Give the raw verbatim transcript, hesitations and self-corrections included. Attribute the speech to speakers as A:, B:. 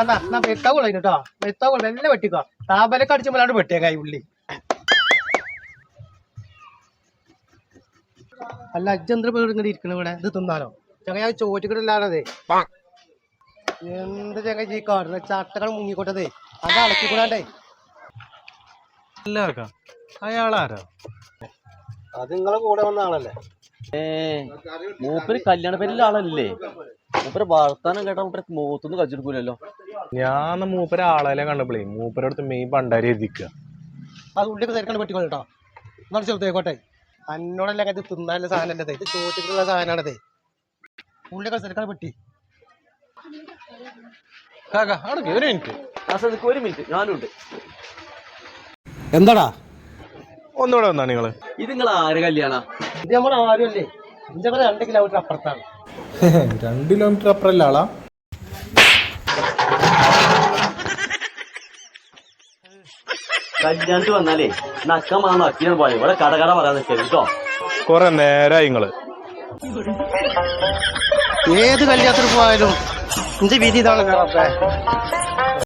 A: എന്നാ വെത്താവുള്ള കേട്ടോ വെത്താവുള്ള എല്ലാം വെട്ടിക്കോ താപലൊക്കെ അടിച്ചുമ്പോഴാണ് വെട്ടിയേക്കായി ഉള്ളി. അല്ല അജ്ജന്ത്ര പേര് ഇങ്ങനെ ഇരിക്കണ ഇവിടെ ഇത് തിന്നാനോ ചങ്ങ ചോറ്റിക്കിടല്ലാതെ എന്ത് ചങ്ങ ഈ കാടുന്ന ചട്ടകൾ മുങ്ങിക്കോട്ടതേ അത് അളക്കിക്കൂടാണ്ടേ.
B: അയാളാരാ?
A: അത് നിങ്ങളെ കൂടെ വന്ന ആളല്ലേ?
C: ഏ മൂപ്പര് കല്യാണ പേരിലെ ആളല്ലേ? മൂപ്പര് വർത്താനം കേട്ടാ മൂപ്പര് മൂത്തൊന്നും കച്ചെടുക്കൂലല്ലോ.
B: ഞാൻ മൂപ്പര ആളെ കണ്ടപ്പോഴേ മൂപ്പരടുത്ത് മെയിൻ പണ്ടാരി എഴുതിക്കുക.
A: അത് ഉള്ളിയൊക്കെ തിരക്കാണ്ട് വെട്ടിക്കോ കേട്ടോ. എന്നാൽ ചെറുതേക്കോട്ടെ അന്നോടല്ലേ ഇത് തിന്നാനുള്ള സാധനം അല്ലേ ഇത് ചോറ്റിട്ടുള്ള സാധനമാണതേ. ഉള്ളിയൊക്കെ തിരക്കാണ്ട് വെട്ടി.
B: ഒരു മിനിറ്റ്
C: ഒരു മിനിറ്റ് ഞാനും ഉണ്ട്.
A: എന്താടാ
B: ഒന്നുകൂടെ വന്നാ നിങ്ങള്?
C: ഇത് നിങ്ങൾ ആര് കല്യാണ?
A: ഇത് നമ്മൾ ആരും അല്ലേ ഇഞ്ച രണ്ട് കിലോമീറ്റർ അപ്പുറത്താണ്.
B: രണ്ട് കിലോമീറ്റർ അപ്പുറല്ല ആളാ?
C: കല്യാണത്തിൽ വന്നാലേ നക്കമാ നക്കിയാണ് പോയത്. ഇവിടെ കടകട പറയാൻ നിൽക്കരുത് കേട്ടോ.
B: കൊറേ നേരായി നിങ്ങള്.
A: ഏത് കല്യാണത്തിന് പോയാലും ഇഞ്ച വീതി ഇതാണ്.